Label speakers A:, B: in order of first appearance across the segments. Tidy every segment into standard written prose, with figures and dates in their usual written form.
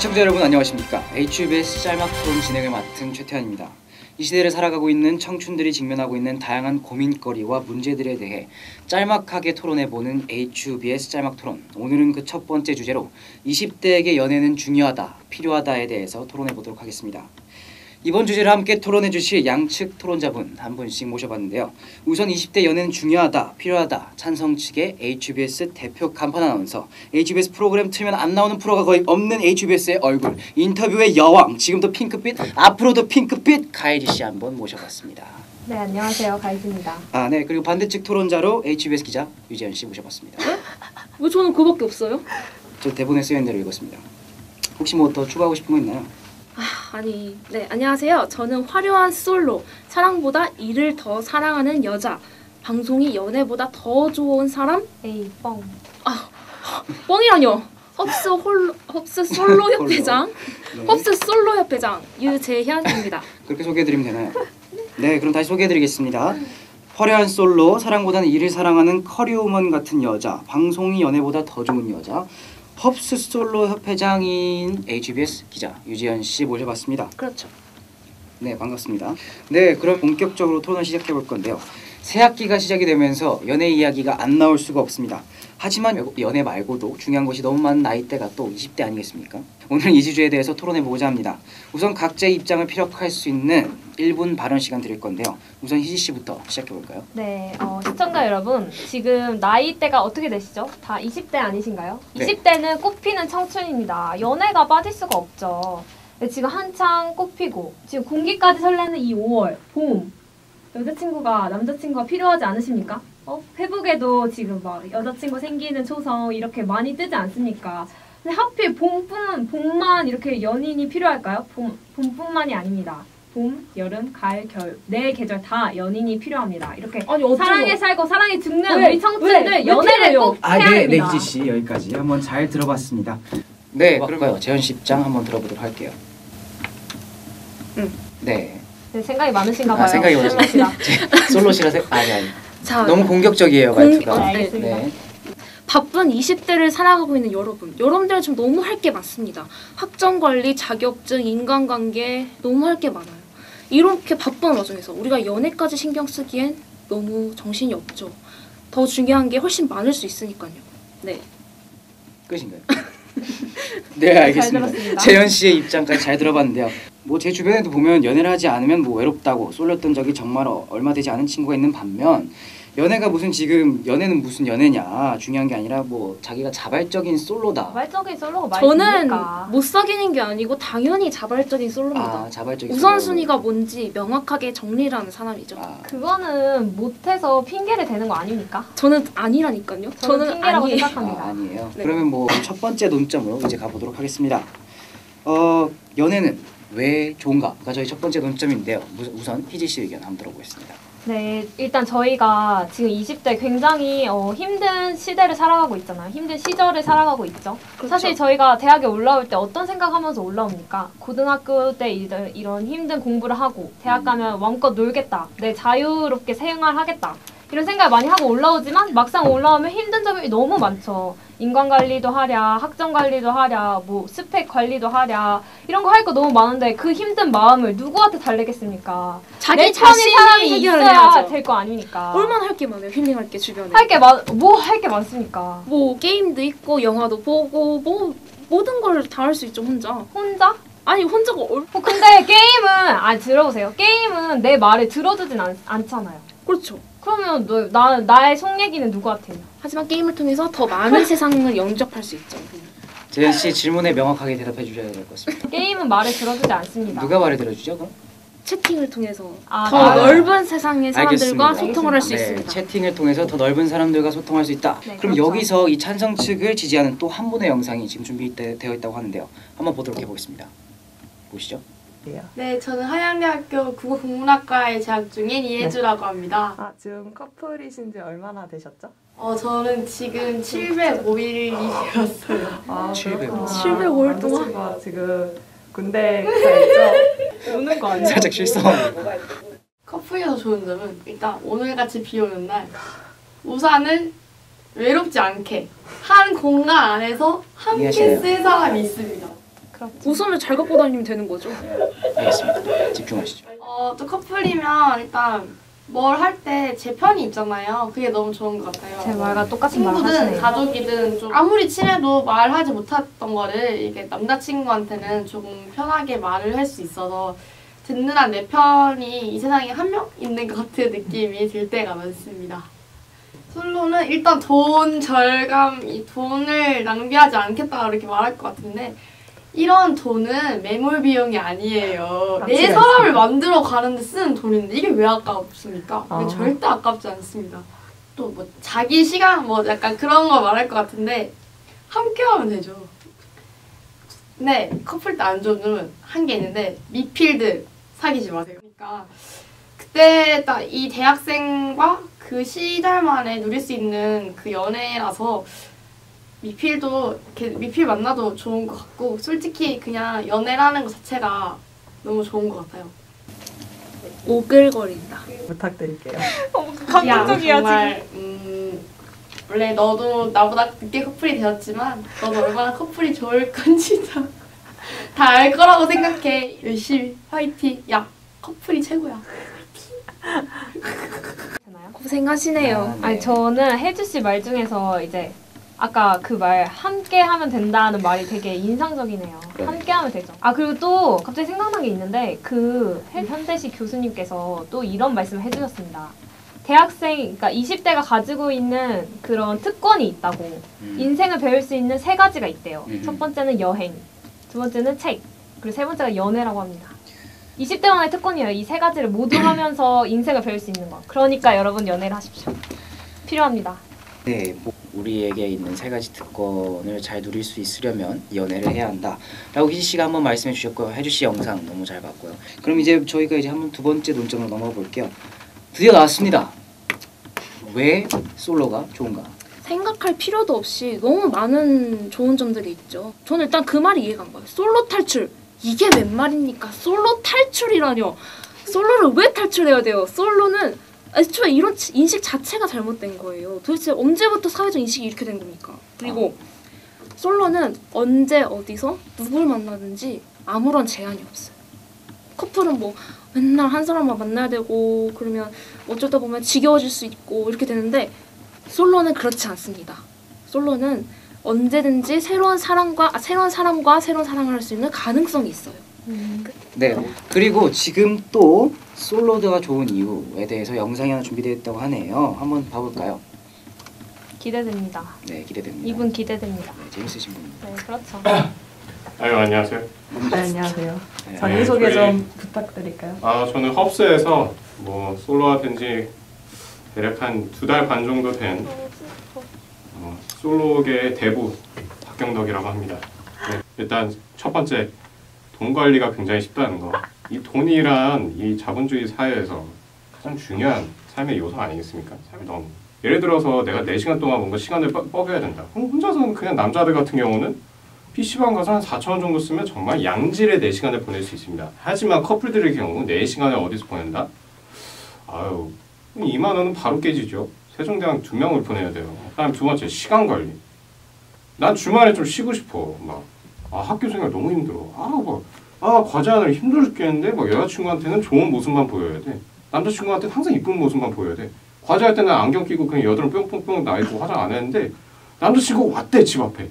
A: 시청자 여러분 안녕하십니까. HBS 짤막 토론 진행을 맡은 최태환입니다. 이 시대를 살아가고 있는 청춘들이 직면하고 있는 다양한 고민거리와 문제들에 대해 짤막하게 토론해보는 HBS 짤막 토론. 오늘은 그 첫 번째 주제로 20대에게 연애는 중요하다, 필요하다에 대해서 토론해보도록 하겠습니다. 이번 주제를 함께 토론해 주실 양측 토론자분 한 분씩 모셔봤는데요. 우선 20대 연애는 중요하다, 필요하다 찬성 측의 HBS 대표 간판 아나운서, HBS 프로그램 틀면 안 나오는 프로가 거의 없는 HBS의 얼굴, 인터뷰의 여왕, 지금도 핑크빛, 앞으로도 핑크빛 가이리 씨 한 번 모셔봤습니다.
B: 네, 안녕하세요. 가이리입니다.
A: 네, 그리고 반대측 토론자로 HBS 기자 유지연 씨 모셔봤습니다.
C: 왜 저는 그밖에 없어요?
A: 저 대본에 쓰여있는 대로 읽었습니다. 혹시 뭐 더 추가하고 싶은 거 있나요?
C: 네, 안녕하세요. 저는 화려한 솔로, 사랑보다 일을 더 사랑하는 여자, 방송이 연애보다 더 좋은 사람?
B: 에이, 뻥.
C: 뻥이라뇨. 헙스 솔로 협회장,
A: 네.
C: 헙스 솔로 협회장 유재현입니다.
A: 그렇게 소개해드리면 되나요? 네, 그럼 다시 소개해드리겠습니다. 화려한 솔로, 사랑보다는 일을 사랑하는 커리어우먼 같은 여자, 방송이 연애보다 더 좋은 여자, 헙스 솔로 협회장인 HBS 기자 유지연 씨 모셔봤습니다.
C: 그렇죠.
A: 네, 반갑습니다. 네, 그럼 본격적으로 토론을 시작해 볼 건데요. 새 학기가 시작이 되면서 연애 이야기가 안 나올 수가 없습니다. 하지만 연애 말고도 중요한 것이 너무 많은 나이대가 또 20대 아니겠습니까? 오늘 이 주제에 대해서 토론해보고자 합니다. 우선 각자의 입장을 피력할 수 있는 1분 발언 시간 드릴 건데요. 우선 희지 씨부터 시작해볼까요?
B: 네, 시청자 여러분, 지금 나이대가 어떻게 되시죠? 다 20대 아니신가요?
A: 네.
B: 20대는 꽃피는 청춘입니다. 연애가 빠질 수가 없죠. 근데 지금 한창 꽃피고 지금 공기까지 설레는 이 5월, 봄. 남자친구가 필요하지 않으십니까? 페북에도 지금 막 여자친구 생기는 초성 이렇게 많이 뜨지 않습니까? 근데 하필 봄만 이렇게 연인이 필요할까요? 봄뿐만이 아닙니다. 봄, 여름, 가을, 겨울 네 계절 다 연인이 필요합니다. 이렇게 사랑에 살고 사랑에 죽는 우리 청춘들 연애를 꼭 해야
A: 네,
B: 됩니다.
A: 희지 씨 여기까지 한번 잘 들어봤습니다. 네, 그러면 재현 씨 입장 한번 들어보도록 할게요. 네.
B: 네, 생각이 많으신가 봐요.
A: 생각이 많으시다. 솔로시라 아니.
C: 자,
A: 너무 공격적이에요, 말투가.
B: 네, 알겠습니다.
A: 네.
C: 바쁜 20대를 살아가고 있는 여러분들은 지금 너무 할 게 많습니다. 학점 관리, 자격증, 인간관계 너무 할 게 많아요. 이렇게 바쁜 와중에서 우리가 연애까지 신경 쓰기엔 너무 정신이 없죠. 더 중요한 게 훨씬 많을 수 있으니까요. 네.
A: 끝인가요? 네, 알겠습니다.
B: 들었습니다.
A: 재현 씨의 입장까지 잘 들어봤는데요. 뭐 제 주변에도 보면 연애를 하지 않으면 뭐 외롭다고 쏠렸던 적이 정말 얼마 되지 않은 친구가 있는 반면, 연애가 연애는 무슨 연애냐, 중요한 게 아니라 뭐 자기가 자발적인 솔로다.
B: 자발적인 솔로가 많이
C: 저는
B: 있으니까.
C: 못 사귀는 게 아니고 당연히 자발적인 솔로입니다.
A: 자발적인
C: 우선순위가 뭔지 명확하게 정리를 하는 사람이죠.
B: 그거는 못해서 핑계를 대는 거 아닙니까?
C: 저는 아니라니까요.
B: 저는 핑계라고
C: 아니에요.
B: 생각합니다.
A: 아니에요.
C: 네.
A: 그러면 뭐 첫 번째 논점으로 이제 가보도록 하겠습니다. 연애는 왜 좋은가가 저희 첫 번째 논점인데요. 우선 희지 씨 의견 한번 들어보겠습니다.
B: 네, 일단 저희가 지금 20대 굉장히 힘든 시대를 살아가고 있잖아요. 힘든 시절을 살아가고 있죠.
C: 그렇죠.
B: 사실 저희가 대학에 올라올 때 어떤 생각하면서 올라옵니까? 고등학교 때 이런 힘든 공부를 하고 대학 가면 마음껏 놀겠다. 내 자유롭게 생활하겠다. 이런 생각을 많이 하고 올라오지만 막상 올라오면 힘든 점이 너무 많죠. 인간관리도 하랴, 학점관리도 하랴, 뭐 스펙 관리도 하랴, 이런 거 할 거 너무 많은데 그 힘든 마음을 누구한테 달래겠습니까?
C: 자기
B: 내 편인
C: 자신이
B: 사람이
C: 해결을
B: 있어야
C: 해야죠.
B: 될 거 아닙니까?
C: 얼마나 할 게 많아요. 힐링할 게 주변에.
B: 할 게 많습니까?
C: 뭐 게임도 있고 영화도 보고 뭐 모든 걸 다 할 수 있죠 혼자.
B: 혼자?
C: 아니 혼자가
B: 근데 게임은 들어보세요. 게임은 내 말을 들어주진 않잖아요.
C: 그렇죠.
B: 그러면 나의 속 얘기는 누구한테 해요?
C: 하지만 게임을 통해서 더 많은 세상을 영접할 수 있죠.
A: 재현 씨 질문에 명확하게 대답해 주셔야 될 것 같습니다.
B: 게임은 말을 들어주지 않습니다.
A: 누가 말을 들어주죠, 그럼?
C: 채팅을 통해서
B: 아,
C: 더
B: 네.
C: 넓은 세상의 사람들과
A: 알겠습니다.
C: 소통을 할 수
A: 네,
C: 있습니다.
A: 채팅을 통해서 더 넓은 사람들과 소통할 수 있다.
B: 네,
A: 그럼
B: 그렇죠.
A: 여기서 이 찬성 측을 지지하는 또 한 분의 영상이 지금 준비되어 있다고 하는데요. 한번 보도록 해보겠습니다. 보시죠.
D: 네, 저는 한양대학교 국어국문학과에 재학 중인 이혜주라고 합니다.
E: 지금 커플이신 지 얼마나 되셨죠?
D: 저는 지금 705일이 되었어요.
A: 705일.
C: 705일 동안?
E: 남자친구가 지금 군대 가있죠? 우는 거 아니에요?
A: 살짝 실수한.
D: 커플이어서 좋은 점은 일단 오늘같이 비 오는 날 우산을 외롭지 않게 한 공간 안에서 함께
A: 이해하시나요?
D: 쓸 사람이 있습니다.
B: 그렇죠.
C: 웃음을 잘 갖고 다니면 되는 거죠.
A: 알겠습니다. 집중하시죠.
D: 또 커플이면 일단 뭘 할 때 제 편이 있잖아요. 그게 너무 좋은 것 같아요.
B: 제 말과 똑같은 말을
D: 친구든
B: 하시네요.
D: 가족이든 좀 아무리 친해도 말하지 못했던 거를 이게 남자친구한테는 조금 편하게 말을 할 수 있어서 듣는 한 내 편이 이 세상에 한 명 있는 것 같은 느낌이 들 때가 많습니다. 솔로는 일단 돈 절감, 이 돈을 낭비하지 않겠다 이렇게 말할 것 같은데 이런 돈은 매몰 비용이 아니에요. 내
E: 가치가
D: 사람을 만들어 가는데 쓰는 돈인데 이게 왜 아깝습니까?
E: 아.
D: 절대 아깝지 않습니다. 또 뭐 자기 시간 뭐 약간 그런 거 말할 것 같은데 함께 하면 되죠. 근데 커플 때 안 좋은 점은 한 게 있는데 미필드 사귀지 마세요. 그러니까 그때 딱 이 대학생과 그 시절만에 누릴 수 있는 그 연애라서 미필도 이렇게 미필 만나도 좋은 것 같고 솔직히 그냥 연애라는 것 자체가 너무 좋은 것 같아요.
C: 오글거린다.
E: 부탁드릴게요.
B: 감동적이야
D: 정말 원래 너도 나보다 늦게 커플이 되었지만 너도 얼마나 커플이 좋을 건지 다 알 거라고 생각해. 열심히 화이팅. 야 커플이 최고야.
B: 되나요?
C: 고생하시네요.
B: 아니 저는 혜주 씨 말 중에서 이제 아까 그 말 함께 하면 된다는 말이 되게 인상적이네요.
A: 네.
B: 함께 하면 되죠. 아 그리고 또 갑자기 생각난 게 있는데 그 현대시 교수님께서 또 이런 말씀을 해주셨습니다. 대학생, 그러니까 20대가 가지고 있는 그런 특권이 있다고. 인생을 배울 수 있는 3가지가 있대요. 첫 번째는 여행, 두 번째는 책, 그리고 세 번째가 연애라고 합니다. 20대만의 특권이에요. 이 3가지를 모두 하면서 인생을 배울 수 있는 거. 그러니까 여러분 연애를 하십시오. 필요합니다.
A: 네, 뭐 우리에게 있는 3가지 특권을 잘 누릴 수 있으려면 연애를 해야 한다 라고 희지 씨가 한번 말씀해 주셨고요. 혜주 씨 영상 너무 잘 봤고요. 그럼 이제 저희가 이제 한번 두 번째 논점으로 넘어가 볼게요. 드디어 나왔습니다. 왜 솔로가 좋은가?
C: 생각할 필요도 없이 너무 많은 좋은 점들이 있죠. 저는 일단 그 말이 이해가 안 가요. 솔로 탈출. 이게 웬 말입니까? 솔로 탈출이라뇨. 솔로를 왜 탈출해야 돼요? 솔로는 애초에 이런 인식 자체가 잘못된 거예요. 도대체 언제부터 사회적 인식이 이렇게 된 겁니까? 그리고 솔로는 언제 어디서 누굴 만나든지 아무런 제한이 없어요. 커플은 뭐 맨날 한 사람만 만나야 되고 그러면 어쩌다 보면 지겨워질 수 있고 이렇게 되는데 솔로는 그렇지 않습니다. 솔로는 언제든지 새로운 사람과 새로운 사랑을 할 수 있는 가능성이 있어요.
A: 네, 그리고 지금 또 솔로가 좋은 이유에 대해서 영상이 하나 준비되어 있다고 하네요. 한번 봐볼까요?
B: 기대됩니다.
A: 네, 기대됩니다.
B: 이분 기대됩니다.
A: 네, 재밌으신 분입니다.
B: 네, 그렇죠.
F: 아유 안녕하세요.
E: 네, 안녕하세요.
A: 네.
E: 자기소개
F: 저희-
E: 좀 부탁드릴까요?
F: 저는 헙스에서 뭐 솔로가 된 지 대략 한 2달 반 정도 된 솔로계의 대부 박경덕이라고 합니다. 네, 일단 첫 번째 돈 관리가 굉장히 쉽다는 거. 이 돈이란 이 자본주의 사회에서 가장 중요한 삶의 요소 아니겠습니까? 너무. 예를 들어서 내가 4시간 동안 뭔가 시간을 뻐겨야 된다. 그럼 혼자서는 그냥 남자들 같은 경우는 PC방 가서 한 4,000원 정도 쓰면 정말 양질의 4시간을 보낼 수 있습니다. 하지만 커플들의 경우 4시간을 어디서 보낸다? 아유, 2만 원은 바로 깨지죠. 세종대왕 2명을 보내야 돼요. 그다음 두 번째, 시간 관리. 난 주말에 좀 쉬고 싶어. 학교 생활 너무 힘들어. 과제 하느라 힘들어 죽겠는데 여자친구한테는 좋은 모습만 보여야 돼. 남자친구한테는 항상 이쁜 모습만 보여야 돼. 과제할 때는 안경 끼고 그냥 여드름 뿅뿅뿅 나 있고 화장 안 했는데 남자친구 왔대 집 앞에.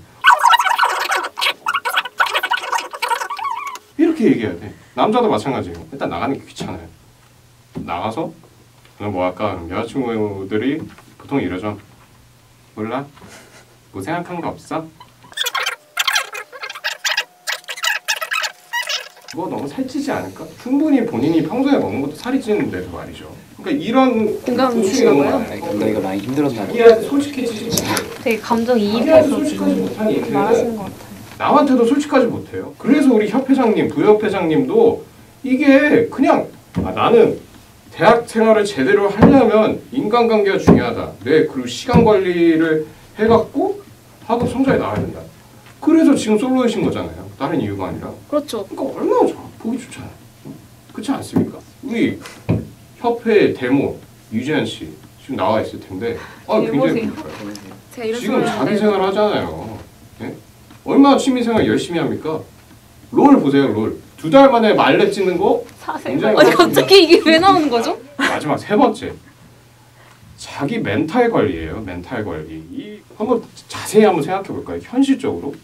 F: 이렇게 얘기해야 돼. 남자도 마찬가지예요. 일단 나가는 게 귀찮아요. 나가서 그냥 뭐 할까? 여자친구들이 보통 이러죠. 몰라? 뭐 생각한 거 없어? 그거 너무 살찌지 않을까? 충분히 본인이 평소에 먹는 것도 살이 찌는데도 말이죠. 그러니까 이런
C: 공감이신가 봐요.
A: 경덕이가 많이 힘들었나 봐요.
F: 이한테 솔직해지지 못해.
B: 되게 감정
F: 이한테
B: 이입해서
F: 솔직하지 못하니 그
B: 말하시는 것 같아요.
F: 남한테도 솔직하지 못해요. 그래서 우리 협회장님, 부협회장님도 이게 그냥 나는 대학 생활을 제대로 하려면 인간관계가 중요하다. 그리고 시간 관리를 해갖고 학업 성적이 나와야 된다. 그래서 지금 솔로이신 거잖아요. 다른 이유가 아니라.
C: 그렇죠.
F: 그러니까 얼마나 좋아. 보기 좋잖아요. 그렇지 않습니까? 우리 협회 데모 유재현 씨 지금 나와 있을 텐데 굉장히 부러워요.
C: 제가 이런
F: 지금
C: 소리를
F: 자기
C: 하는데
F: 생활 하잖아요. 네? 얼마나 취미 생활 열심히 합니까? 롤 보세요, 롤. 2달 만에 말렙 찍는 거
B: 사실
F: 굉장히
C: 아니
F: 많습니다.
C: 갑자기 이게 왜 나오는 거죠?
F: 마지막 3번째. 자기 멘탈 관리예요. 멘탈 관리. 이 한번 자세히 한번 생각해 볼까요? 현실적으로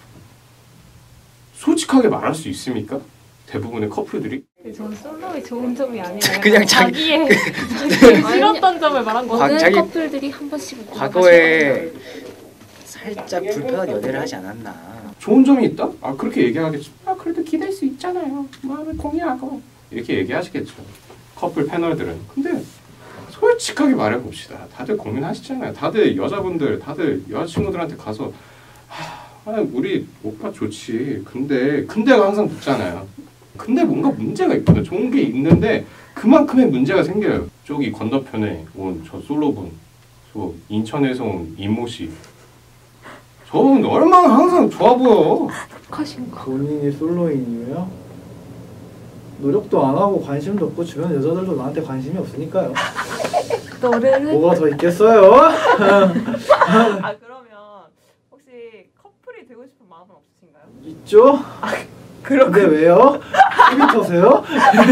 F: 솔직하게 말할 수 있습니까? 대부분의 커플들이
B: 저는 솔로의 좋은 점이 아니라
A: 그냥
B: 자기의 싫었던 점을 말한 거.
C: 모든
A: 자기-
C: 커플들이 한 번씩은
A: 과거에 살짝 불편한 연애를 하지 않았나.
F: 좋은 점이 있다? 아 그렇게 얘기하겠죠. 아 그래도 기댈 수 있잖아요. 마음을 공유하고 이렇게 얘기하시겠죠. 커플 패널들은. 근데 솔직하게 말해봅시다. 다들 고민하시잖아요. 다들 여자분들, 다들 여자친구들한테 가서 우리 오빠 좋지. 근데가 항상 붙잖아요. 근데 뭔가 문제가 있거든. 좋은 게 있는데 그만큼의 문제가 생겨요. 저기 건너편에 온 저 솔로분, 저 인천에서 온 이모 씨. 저분 얼마나 항상 좋아 보여.
G: 본인이 솔로인 이유요? 노력도 안 하고 관심도 없고 주변 여자들도 나한테 관심이 없으니까요.
B: 노래를
G: 뭐가 더 있겠어요?
E: 아 그러면 혹시 커플이 되고 싶은 마음은 없으신가요?
G: 있죠? 근데 왜요? TV 터세요?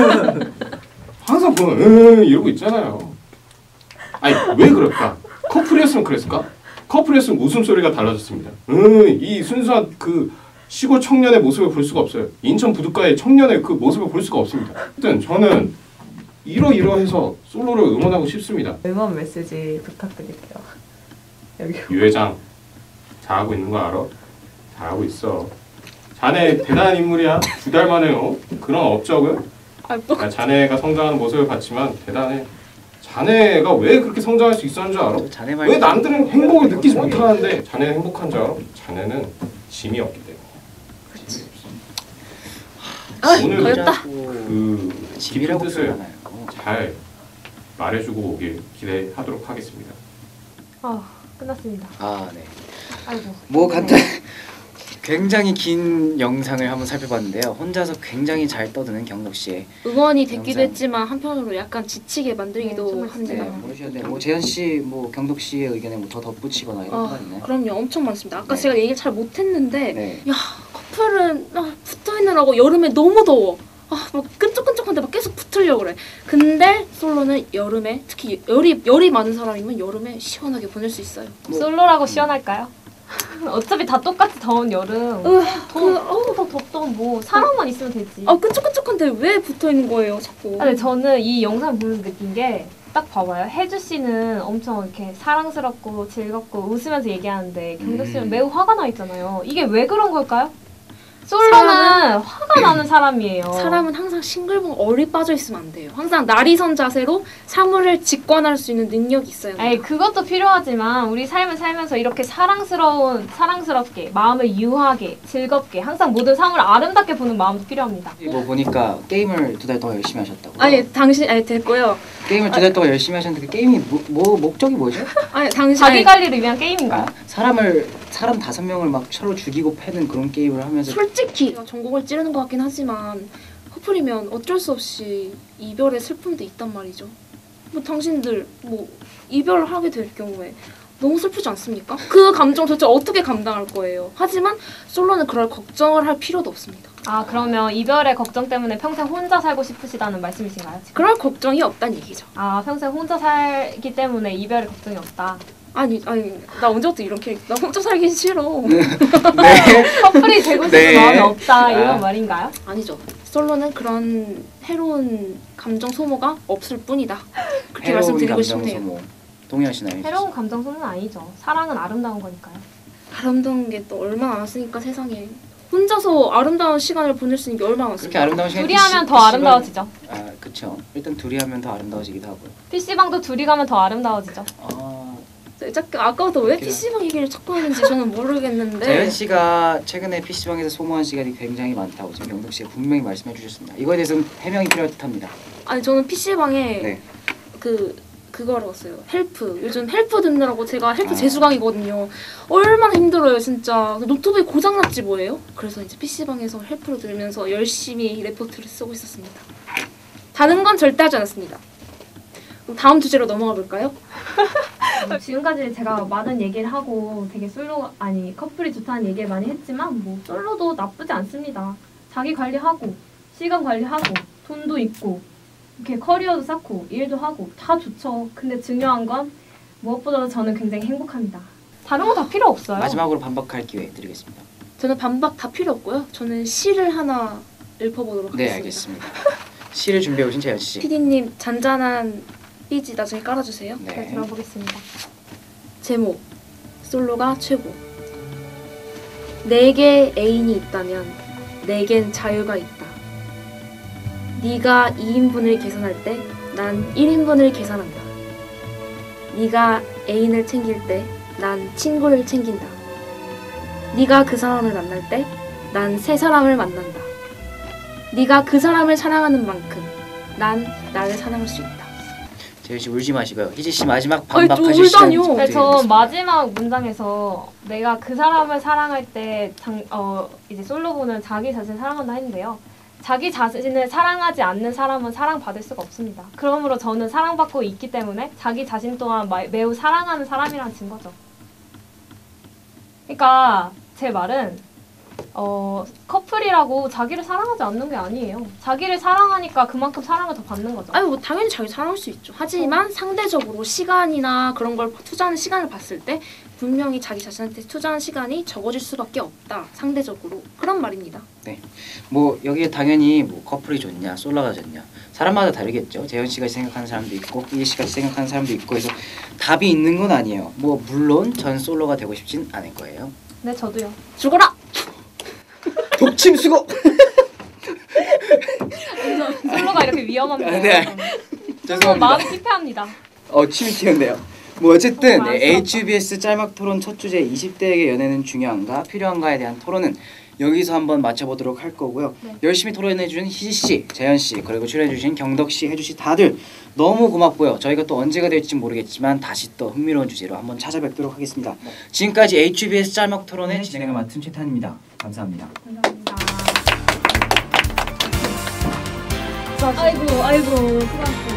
F: 항상 보면 이러고 있잖아요. 아니 왜 그럴까? 커플이었으면 그랬을까? 커플이었으면 웃음소리가 달라졌습니다. 이 순수한 그 시골 청년의 모습을 볼 수가 없어요. 인천 부둣가의 청년의 그 모습을 볼 수가 없습니다. 하여튼 저는 이러이러해서 솔로를 응원하고 싶습니다.
E: 응원 메시지 부탁드릴게요. 여기
F: 유 회장 잘하고 있는 거 알아? 잘하고 있어. 자네 대단한 인물이야. 2달 만에 그런 업적을. 자네가 성장하는 모습을 봤지만 대단해. 자네가 왜 그렇게 성장할 수 있었는 줄 알아?
A: 자네 말
F: 왜 남들은 행복을 느끼지 못하는데 자네는 행복한 줄 알아? 자네는 짐이 없기 때문에. 오늘
C: 걸렸다.
F: 그 깊은
A: 집이라고
F: 뜻을
A: 표현하나요?
F: 잘 말해주고 오길 기대하도록 하겠습니다.
B: 끝났습니다.
A: 아 네.
B: 아이고.
A: 뭐 간단. 굉장히 긴 영상을 한번 살펴봤는데요. 혼자서 굉장히 잘 떠드는 경덕 씨의
C: 응원이 됐기도
A: 영상.
C: 했지만 한편으로 약간 지치게 만들기도
B: 정말
C: 합니다.
A: 네, 모르셨는데 뭐 재현 씨, 뭐 경덕 씨의 의견에 뭐 더 덧붙이거나 이런 거 있나요?
C: 그럼요, 엄청 많습니다. 아까
A: 네.
C: 제가 얘기를 잘 못했는데
A: 네.
C: 커플은 붙어 있느라고 여름에 너무 더워. 막 끈적끈적한데 막 계속 붙으려고 그래. 근데 솔로는 여름에 특히 열이 많은 사람이면 여름에 시원하게 보낼 수 있어요.
B: 솔로라고 시원할까요? 어차피 다 똑같이 더운 여름. 더 덥던 뭐 사람만 있으면 되지.
C: 끈적끈적한데 왜 붙어 있는 거예요, 자꾸?
B: 근데 저는 이 영상 보면서 느낀 게 딱 봐봐요. 혜주 씨는 엄청 이렇게 사랑스럽고 즐겁고 웃으면서 얘기하는데 경덕 씨는 매우 화가 나 있잖아요. 이게 왜 그런 걸까요? 솔로는 화가 나는 사람이에요.
C: 사람은 항상 싱글벙 얼이 빠져 있으면 안 돼요. 항상 나리선 자세로 사물을 직관할 수 있는 능력이 있어야 돼요.
B: 에이, 그것도 필요하지만 우리 삶을 살면서 이렇게 사랑스럽게 마음을 유하게 즐겁게 항상 모든 상을 아름답게 보는 마음도 필요합니다.
A: 뭐 보니까 게임을 2달 동안 열심히 하셨다고.
C: 됐고요.
A: 게임을 2달 동안 열심히 하셨는데 그 게임이 뭐 목적이 뭐죠?
B: 자기 관리를 위한 게임인가요?
A: 사람 5명을 막 서로 죽이고 패는 그런 게임을 하면서
C: 솔직히 전곡을 찌르는 것 같긴 하지만 커플이면 어쩔 수 없이 이별의 슬픔도 있단 말이죠. 뭐 당신들 뭐 이별을 하게 될 경우에 너무 슬프지 않습니까? 그 감정 도대체 어떻게 감당할 거예요? 하지만 솔로는 그럴 걱정을 할 필요도 없습니다.
B: 그러면 이별의 걱정 때문에 평생 혼자 살고 싶으시다는 말씀이신가요? 지금?
C: 그럴 걱정이 없다는 얘기죠.
B: 평생 혼자 살기 때문에 이별의 걱정이 없다.
C: 아니 나 언제부터 이렇게 나 혼자 살기 싫어.
A: 네.
B: 커플이 되고 싶은
A: 네.
B: 마음이 없다 이런 말인가요?
C: 아니죠. 솔로는 그런 해로운 감정 소모가 없을 뿐이다. 그렇게
A: 해로운
C: 말씀드리고
A: 감정
C: 싶네요.
A: 소모. 동의하시나요?
B: 해로운 감정 소모는 아니죠. 사랑은 아름다운 거니까요.
C: 아름다운 게 또 얼마나 많았으니까 세상에. 혼자서 아름다운 시간을 보낼 수 있는 게 얼마나
A: 그렇게
C: 많습니까?
A: 아름다운 시간이
B: 둘이 하면 더 아름다워지죠.
A: 그렇죠. 일단 둘이 하면 더 아름다워지기도 하고요.
B: PC방도 둘이 가면 더 아름다워지죠.
C: 아까부터 왜
A: 그렇구나.
C: PC방 얘기를 자꾸 하는지 저는 모르겠는데
A: 재현 씨가 최근에 PC방에서 소모한 시간이 굉장히 많다고 지금 경덕 씨가 분명히 말씀해 주셨습니다. 이거에 대해서는 해명이 필요할 듯합니다.
C: 아니 저는 PC방에
A: 네.
C: 그거를 왔어요. 헬프. 요즘 헬프 듣느라고 제가 헬프 재수강이거든요. 얼마나 힘들어요, 진짜. 노트북이 고장났지 뭐예요? 그래서 이제 PC방에서 헬프로 들으면서 열심히 레포트를 쓰고 있었습니다. 다른 건 절대 하지 않았습니다. 그럼 다음 주제로 넘어가 볼까요?
B: 지금까지 제가 많은 얘기를 하고 되게 커플이 좋다는 얘기를 많이 했지만 뭐 솔로도 나쁘지 않습니다. 자기 관리하고 시간 관리하고 돈도 있고 이렇게 커리어도 쌓고 일도 하고 다 좋죠. 근데 중요한 건 무엇보다도 저는 굉장히 행복합니다. 다른 거 다 필요 없어요.
A: 마지막으로 반박할 기회 드리겠습니다.
C: 저는 반박 다 필요 없고요. 저는 시를 하나 읽어보도록
A: 네,
C: 하겠습니다.
A: 알겠습니다. 시를 준비해 오신 재현 씨.
C: PD님 잔잔한 삐지 나중에 깔아주세요.
B: 네,
A: 네.
B: 들어보겠습니다.
C: 제목 솔로가 최고. 내게 애인이 있다면 내겐 자유가 있다. 네가 2인분을 계산할 때 난 1인분을 계산한다. 네가 애인을 챙길 때 난 친구를 챙긴다. 네가 그 사람을 만날 때 난 새 사람을 만난다. 네가 그 사람을 사랑하는 만큼 난 나를 사랑할 수 있다.
A: 재현 씨 울지 마시고요. 희지 씨 마지막
C: 아니, 또
A: 반박하실 시간
C: 울다니요.
B: 네, 저
A: 드리겠습니다.
B: 마지막 문장에서 내가 그 사람을 사랑할 때 이제 솔로분은 자기 자신을 사랑한다 했는데요. 자기 자신을 사랑하지 않는 사람은 사랑받을 수가 없습니다. 그러므로 저는 사랑받고 있기 때문에 자기 자신 또한 매우 사랑하는 사람이라는 증거죠. 그러니까 제 말은 커플이라고 자기를 사랑하지 않는 게 아니에요. 자기를 사랑하니까 그만큼 사랑을 더 받는 거죠.
C: 아니 뭐 당연히 자기 사랑할 수 있죠. 하지만 상대적으로 시간이나 그런 걸 투자하는 시간을 봤을 때 분명히 자기 자신한테 투자하는 시간이 적어질 수밖에 없다. 상대적으로 그런 말입니다.
A: 뭐 여기에 당연히 뭐 커플이 좋냐 솔로가 좋냐 사람마다 다르겠죠. 재현 씨가 생각하는 사람도 있고 희지 씨가 생각하는 사람도 있고 해서 답이 있는 건 아니에요. 뭐 물론 전 솔로가 되고 싶진 않을 거예요.
B: 네, 저도요.
C: 죽어라!
A: 독침 수고.
B: 솔로가 이렇게 위험합니다.
A: 네.
B: 저는
A: 죄송합니다.
B: 마음이 피폐합니다.
A: 침이 튀었네요. 뭐 어쨌든
B: 많이
A: HBS 짤막 토론 첫 주제 20대에게 연애는 중요한가 필요한가에 대한 토론은 여기서 한번 맞춰보도록 할 거고요.
B: 네.
A: 열심히 토론해준 희지 씨, 재현 씨 그리고 출연해주신 경덕 씨, 혜주 씨 다들 너무 고맙고요. 저희가 또 언제가 될지 모르겠지만 다시 또 흥미로운 주제로 한번 찾아뵙도록 하겠습니다. 지금까지 HBS 짤막 토론의 진행을 맡은 최탄입니다. 감사합니다.
B: 감사합니다. 아이고, 수고하셨습니다.